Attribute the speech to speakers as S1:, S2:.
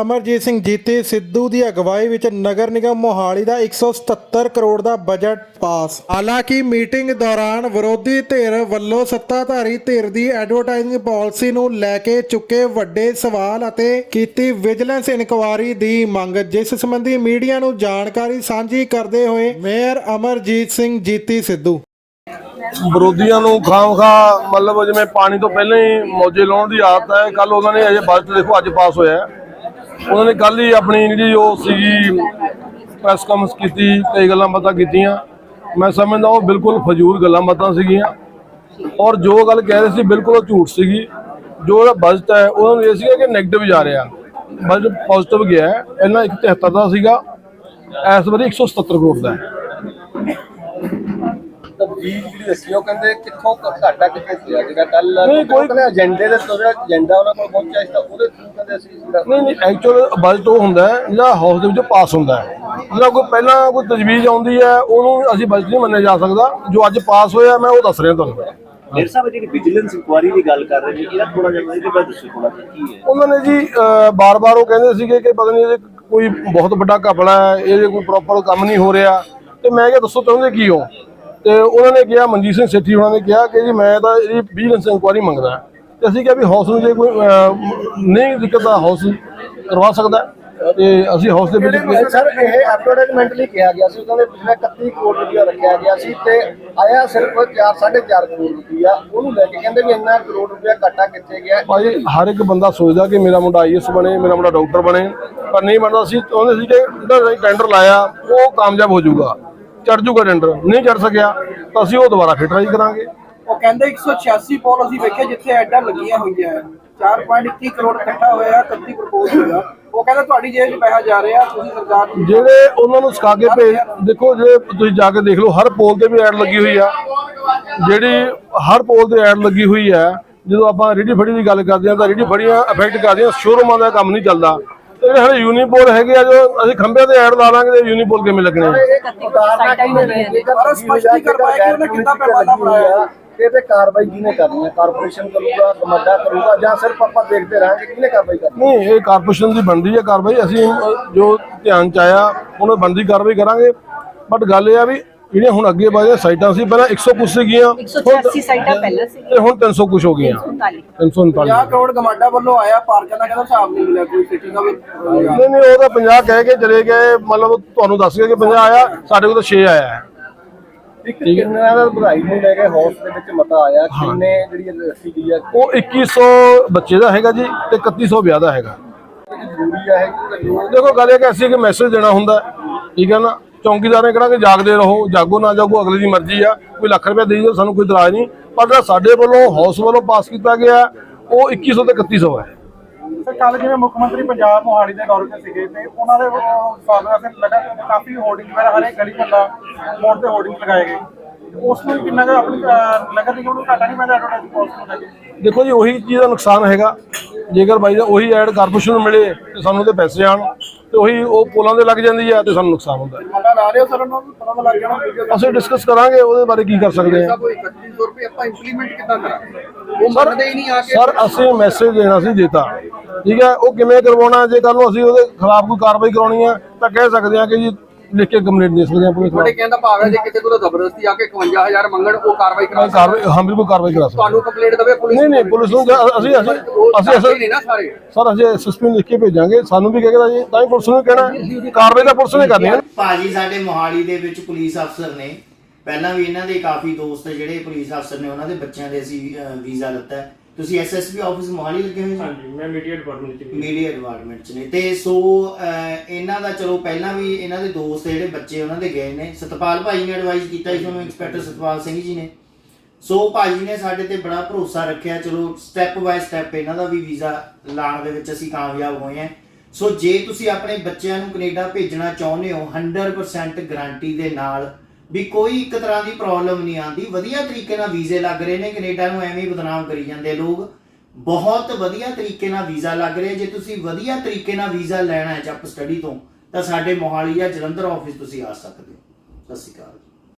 S1: ਅਮਰਜੀਤ ਸਿੰਘ ਜੀਤੀ ਸਿੱਧੂ ਦੀ ਅਗਵਾਈ ਵਿੱਚ ਨਗਰ ਨਿਗਮ ਮੋਹਾਲੀ ਦਾ 177 ਕਰੋੜ ਦਾ ਬਜਟ ਪਾਸ। ਹਾਲਾਂਕਿ ਮੀਟਿੰਗ ਦੌਰਾਨ ਵਿਰੋਧੀ ਧਿਰ ਵੱਲੋਂ ਸੱਤਾਧਾਰੀ ਧਿਰ ਦੀ ਐਡਵਰਟਾਈਜ਼ਿੰਗ ਪਾਲਿਸੀ ਨੂੰ ਲੈ ਕੇ ਚੁੱਕੇ ਵੱਡੇ ਸਵਾਲ ਅਤੇ ਕੀਤੀ ਵਿਜੀਲੈਂਸ ਇਨਕੁਆਇਰੀ ਦੀ ਮੰਗ, ਜਿਸ ਸੰਬੰਧੀ ਮੀਡੀਆ ਨੂੰ ਜਾਣਕਾਰੀ ਸਾਂਝੀ ਕਰਦੇ ਹੋਏ ਮੇਅਰ ਅਮਰਜੀਤ ਸਿੰਘ ਜੀਤੀ ਸਿੱਧੂ
S2: ਵਿਰੋਧੀਆਂ ਨੂੰ ਖਾਮਖਾ मतलब जिवें पानी तो पहले ही मौजे लाने की आदत है। कल उन्होंने अजे बजट देखो अज पास होया, उन्होंने कल ही अपनी जी प्रेस कॉन्फ्रेंस की, कई गल्लां बातां कीतियां। मैं समझदा वो बिल्कुल फजूल गल्लां बातां सीगियां और जो गल कह रहे सी बिल्कुल झूठ सीगी। जो बजट है उन्होंने ये सीगा कि नैगेटिव जा रहा, बजट पॉजिटिव गया है। पहला 173 का सीगा, इस बारी 177 करोड़ का है। बजट वो हुंदा है जिहड़ा हाउस दे विच पास हुंदा है, जिहड़ा कोई पहला कोई तजवीज़ आउंदी है उहनूं असीं बजट नहीं मन्निया जा सकदा। जो अज पास होया मैं वो दस रहा तुहानूं।
S3: मेरे साहब जी विजिलेंस इंक्वायरी की गल कर रहे हैं, थोड़ा जिहा इहदे बारे दस्सो थोड़ा की है।
S2: उन्होंने जी बार बार वो कहंदे सीगे कि पता नहीं कोई बहुत बड़ा घपला है, ये कोई प्रॉपर काम नहीं हो रहा। तो मैं क्या दसो चाहुंदे की हो, तो उन्होंने कहा मनजीत सिंह सेठी उन्होंने कहा कि जी मैं तो ये विजिलेंस इंक्वायरी मंगदा। तो असीं कहा भी हाउस में जो कोई नहीं दिक्कत हाउस करवा सकता है, तो असीं हाउस के
S4: सर ये एडवर्टाइजमेंट लिए कहा गया सी, उन्होंने पिछले 31 करोड़ रुपया रखा गया सी ते आया सिर्फ 4-4.5 करोड़ रुपया। उन्होंने लेके कहते भी इन्ना करोड़ रुपया घाटा कितने गया।
S2: भाई हर एक बंदा सोचता कि मेरा मुंडा IAS बने, मेरा मुंडा डॉक्टर बने, पर नहीं बनता। असीं चाहुंदे सी कि टेंडर लाया वो कामयाब हो जाऊगा, चढ़ जूगा। टेंडर नहीं चढ़ सकिया तो असीं वो दोबारा फिर ट्राई करांगे।
S5: ਉਹ ਕਹਿੰਦੇ 186 ਪੋਲ ਅਸੀਂ ਵੇਖੇ ਜਿੱਥੇ ਐਡਾਂ ਲੱਗੀਆਂ ਹੋਈਆਂ 4.21 ਕਰੋੜ ਇਕੱਠਾ ਹੋਇਆ, 31 ਪ੍ਰਪੋਜ਼ ਹੋਇਆ। ਉਹ ਕਹਿੰਦਾ ਤੁਹਾਡੀ ਜੇਬ 'ਚ ਪੈਸਾ ਜਾ ਰਿਹਾ, ਤੁਸੀਂ ਸਰਕਾਰ ਨੂੰ
S2: ਜਿਹੜੇ ਉਹਨਾਂ ਨੂੰ ਸਿਖਾ ਕੇ ਭੇਜ। ਦੇਖੋ ਜੇ ਤੁਸੀਂ ਜਾ ਕੇ ਦੇਖ ਲਓ, ਹਰ ਪੋਲ ਤੇ ਵੀ ਐਡ ਲੱਗੀ ਹੋਈ ਆ, ਜਿਹੜੀ ਹਰ ਪੋਲ ਤੇ ਐਡ ਲੱਗੀ ਹੋਈ ਹੈ। ਜਦੋਂ ਆਪਾਂ ਰੇਹੜੀ ਫੜੀ ਦੀ ਗੱਲ ਕਰਦੇ ਹਾਂ ਤਾਂ ਰੇਹੜੀ ਫੜੀਆਂ ਅਫੈਕਟ ਕਰਦੀਆਂ, ਸ਼ੋਰੂਮਾਂ ਦਾ ਕੰਮ ਨਹੀਂ ਚੱਲਦਾ। ਜਿਹੜੇ ਹਲੇ ਯੂਨੀਪੋਲ ਹੈਗੇ ਆ, ਜੋ ਅਸੀਂ ਖੰਭਿਆਂ ਤੇ ਐਡ ਲਾ ਲਾਂਗੇ ਤੇ ਯੂਨੀਪੋਲ ਕਿਵੇਂ ਲੱਗਣੇ?
S4: कार्रवाई किने करनी है? कारपोरेशन करूगा, कमड्डा करूगा, या सिर्फ आप देखते रहेंगे किने कार्रवाई करनी?
S2: नहीं, ये कारपोरेशन की बनती है कार्रवाई। असीं जो ध्यान च आया उन्होंने बनती कार्रवाई करांगे। बट गल ये भी ਜਿਹੜੀਆਂ ਹੁਣ ਅੱਗੇ ਵਧੇ ਸਾਈਟਾਂ ਸੀ, ਪਹਿਲਾਂ 100 ਕੁਛ ਸੀਗੀਆਂ,
S6: 186 ਸਾਈਟਾਂ ਪਹਿਲਾਂ ਸੀ
S2: ਤੇ ਹੁਣ 300 ਕੁਛ ਹੋ ਗਈਆਂ। 339
S5: 50 ਕਰੋੜ ਗਮਾਡਾ ਵੱਲੋਂ ਆਇਆ, ਪਾਰਕਾਂ ਦਾ ਕਹਿੰਦਾ ਹਿਸਾਬ ਨਹੀਂ ਮਿਲਿਆ ਕੋਈ ਸਿਟੀ ਦਾ ਵੀ।
S2: ਨਹੀਂ ਉਹ ਤਾਂ 50 ਕਹਿ ਕੇ ਚਲੇ ਗਏ, ਮਤਲਬ ਤੁਹਾਨੂੰ ਦੱਸ ਗਏ ਕਿ 50 ਆਇਆ, ਸਾਡੇ ਕੋਲ ਤਾਂ 6 ਆਇਆ ਹੈ।
S4: ਇੱਕ ਕਿੰਨਾ ਦਾ ਵਧਾਈ ਨੂੰ ਲੈ ਕੇ ਹਾਊਸ ਦੇ ਵਿੱਚ ਮਤਾ ਆਇਆ, ਕਿੰਨੇ ਜਿਹੜੀ ਰੱਖੀ ਗਈ ਹੈ?
S2: ਉਹ 2100 ਬੱਚੇ ਦਾ ਹੈਗਾ ਜੀ ਤੇ 3100 ਵਿਆਹ ਦਾ ਹੈਗਾ।
S4: ਜ਼ਰੂਰੀ ਹੈ
S2: ਦੇਖੋ ਗੱਲ ਇਹ ਕਿ ਅਸੀਂ ਇੱਕ ਮੈਸੇਜ ਦੇਣਾ ਹੁੰਦਾ, ਠੀਕ ਹੈ ਨਾ। ਚੌਂਕੀਦਾਰ ਨੇ ਕਹਿਣਾ ਕਿ ਜਾਗਦੇ ਰਹੋ, ਜਾਗੋ ਨਾ ਜਾਗੋ ਅਗਲੇ ਦੀ ਮਰਜ਼ੀ ਆ। ਕੋਈ ਲੱਖ ਰੁਪਇਆ ਦੇ ਦਿਓ, ਸਾਨੂੰ ਕੋਈ ਇਤਰਾਜ਼ ਨਹੀਂ। ਪਰ ਜਿਹੜਾ ਸਾਡੇ ਵੱਲੋਂ ਹਾਊਸ ਵੱਲੋਂ ਪਾਸ ਕੀਤਾ ਗਿਆ ਉਹ 2100 ਤੇ 3100 ਹੈ।
S5: ਸਰ ਕੱਲ ਜਿਵੇਂ ਮੁੱਖ ਮੰਤਰੀ ਪੰਜਾਬ ਮੋਹਾਲੀ ਦੇ ਦੌਰੇ ਤੇ ਸੀਗੇ ਤੇ ਉਹਨਾਂ ਦੇ ਸਵਾਗਤ ਵਾਸਤੇ ਕਾਫੀ ਹੋਰਡਿੰਗ ਵਗੈਰਾ ਹਰੇ ਗਲੀ ਮੁਹੱਲਾ ਮੋੜ ਤੇ ਹੋਰਡਿੰਗ ਲਗਾਏ ਗਏ। ਉਸ ਨੂੰ ਕਿੰਨਾ ਕੁ ਆਪਣੀ ਨਗਰ ਨਿਗਮ ਨੂੰ ਘਾਟਾ ਨਹੀਂ ਪੈਂਦਾ ਐਡਵਰਟਾਈਜ਼ਿੰਗ ਪਾਲਿਸੀ ਨੂੰ ਲੈ ਕੇ?
S2: ਦੇਖੋ ਜੀ ਉਹੀ ਚੀਜ਼ ਦਾ ਨੁਕਸਾਨ ਹੈਗਾ। ਜੇਕਰ ਬਾਈ ਦਾ ਉਹੀ ਐਡ ਕਾਰਪੋਰੇਸ਼ਨ ਨੂੰ ਮਿਲੇ ਤੇ ਸਾਨੂੰ ਤੇ ਪੈਸੇ ਆਣ, ਤੇ ਉਹੀ ਉਹ ਪੋਲਾਂ ਦੇ ਲੱਗ ਜਾਂਦੀ ਆ ਤੇ ਸਾਨੂੰ ਨੁਕਸਾਨ ਹੁੰਦਾ।
S5: ਮਤਾ ਲਾ ਰਹੇ ਹੋ ਸਰ, ਉਹਨਾਂ ਨੂੰ ਪਤਾ ਲੱਗ ਜਾਣਾ।
S2: ਅਸੀਂ ਡਿਸਕਸ ਕਰਾਂਗੇ ਉਹਦੇ ਬਾਰੇ ਕੀ ਕਰ ਸਕਦੇ ਹਾਂ।
S5: 3100 ਰੁਪਏ ਆਪਾਂ ਇੰਪਲੀਮੈਂਟ ਕਿੱਦਾਂ ਕਰਾਂਗੇ? ਉਹ ਮੰਨਦੇ ਹੀ ਨਹੀਂ ਆ ਕੇ।
S2: ਸਰ ਅਸੀਂ ਮੈਸੇਜ ਦੇਣਾ ਸੀ ਦਿੱਤਾ, ਠੀਕ ਹੈ। ਉਹ ਕਿਵੇਂ ਕਰਵਾਉਣਾ, ਜੇ ਕੱਲ ਨੂੰ ਅਸੀਂ ਉਹਦੇ ਖਿਲਾਫ ਕੋਈ ਕਾਰਵਾਈ ਕਰਾਉਣੀ ਹੈ ਤਾਂ ਕਹਿ ਸਕਦੇ ਹਾਂ ਕਿ ਜੀ ਲਿਖ ਕੇ ਕੰਪਲੇਂਟ ਦੇ ਸਕਦੇ ਹਾਂ ਪੁਲਿਸ ਨੂੰ।
S5: ਤੁਹਾਡੇ ਕਹਿੰਦਾ ਭਾਵ ਹੈ ਜੇ ਕਿਸੇ ਕੋਲ ਜ਼ਬਰਦਸਤੀ ਆ ਕੇ 51000 ਮੰਗਣ, ਉਹ ਕਾਰਵਾਈ ਕਰਾ
S2: ਕਾਰਵਾਈ, ਹਾਂ ਬਿਲਕੁਲ ਕਾਰਵਾਈ ਕਰਾ ਸਕਦੇ।
S5: ਤੁਹਾਨੂੰ ਕੰਪਲੇਂਟ ਦੇਵੇ ਪੁਲਿਸ?
S2: ਨਹੀਂ ਪੁਲਿਸ ਨੂੰ ਅਸੀਂ
S5: ਨਹੀਂ ਨਾ ਸਾਰੇ
S2: ਸਰ ਅਸੀਂ SSP ਨੂੰ ਲਿਖ ਕੇ ਭੇਜਾਂਗੇ। ਸਾਨੂੰ ਵੀ ਕਹੇਗਾ ਜੀ, ਤਾਂ ਹੀ ਪੁਲਿਸ ਨੂੰ ਕਹਿਣਾ ਕਾਰਵਾਈ ਤਾਂ ਪੁਲਿਸ ਨੇ ਕਰਨੀ ਹੈ।
S7: ਭਾਜੀ ਸਾਡੇ ਮੋਹਾਲੀ ਦੇ ਵਿੱਚ ਪੁਲਿਸ ਅਫਸਰ ਨੇ, ਪਹਿਲਾਂ ਵੀ ਇਹਨਾਂ ਦੇ ਕਾਫੀ ਦੋਸਤ ਜਿਹੜੇ ਪੁਲਿਸ ਅਫਸਰ ਨੇ, ਉਹਨਾਂ ਦੇ ਬੱਚਿਆਂ ਦੇ ਅਸੀਂ ਵੀਜ਼ਾ ਲਿੱਤਾ ਹੈ। ਤੁਸੀਂ SSP ਆਫਿਸ ਮੋਹਾਲੀ ਲੱਗੇ ਹੋਏ?
S8: ਹਾਂਜੀ, ਮੈਂ ਮੀਡੀਆ
S7: ਡਿਪਾਰਟਮੈਂਟ 'ਚ ਨੇ। ਤੇ ਸੋ ਇਹਨਾਂ ਦਾ ਚਲੋ ਪਹਿਲਾਂ ਵੀ ਇਹਨਾਂ ਦੇ ਦੋਸਤ ਜਿਹੜੇ ਬੱਚੇ ਉਹਨਾਂ ਦੇ ਗਏ ਨੇ। ਸਤਪਾਲ ਭਾਈ ਨੇ ਐਡਵਾਈਸ ਕੀਤਾ ਸੀ ਤੁਹਾਨੂੰ, ਇੰਸਪੈਕਟਰ ਸਤਪਾਲ ਸਿੰਘ ਜੀ ਨੇ। ਸੋ ਭਾਜੀ ਨੇ ਸਾਡੇ ਤੇ ਬੜਾ ਭਰੋਸਾ ਰੱਖਿਆ। ਚਲੋ ਸਟੈਪ ਬਾਏ ਸਟੈਪ ਇਹਨਾਂ ਦਾ ਵੀ ਵੀਜ਼ਾ ਲਾਉਣ ਦੇ ਵਿੱਚ ਅਸੀਂ ਕਾਮਯਾਬ ਹੋਏ ਹਾਂ। ਸੋ ਜੇ ਤੁਸੀਂ ਆਪਣੇ ਬੱਚਿਆਂ ਨੂੰ ਕੈਨੇਡਾ ਭੇਜਣਾ ਚਾਹੁੰਦੇ ਹੋ, 100% ਗਰੰਟੀ ਦੇ ਨਾਲ ਵੀ ਕੋਈ ਇੱਕ ਤਰ੍ਹਾਂ ਦੀ ਪ੍ਰੋਬਲਮ ਨਹੀਂ ਆਉਂਦੀ। ਵਧੀਆ ਤਰੀਕੇ ਨਾਲ ਵੀਜ਼ੇ ਲੱਗ ਰਹੇ ਨੇ। ਕੈਨੇਡਾ ਨੂੰ ਐਵੇਂ ਬਦਨਾਮ ਕਰੀ ਜਾਂਦੇ ਲੋਕ, ਬਹੁਤ ਵਧੀਆ ਤਰੀਕੇ ਨਾਲ ਵੀਜ਼ਾ ਲੱਗ ਰਿਹਾ। ਜੇ ਤੁਸੀਂ ਵਧੀਆ ਤਰੀਕੇ ਨਾਲ ਵੀਜ਼ਾ ਲੈਣਾ ਹੈ ਜੱਪ ਸਟੱਡੀ ਤੋਂ, ਤਾਂ ਸਾਡੇ ਮੋਹਾਲੀ ਜਾਂ ਜਲੰਧਰ ਆਫਿਸ ਤੁਸੀਂ ਆ ਸਕਦੇ ਹੋ। ਸਤਿ ਸ਼੍ਰੀ ਅਕਾਲ।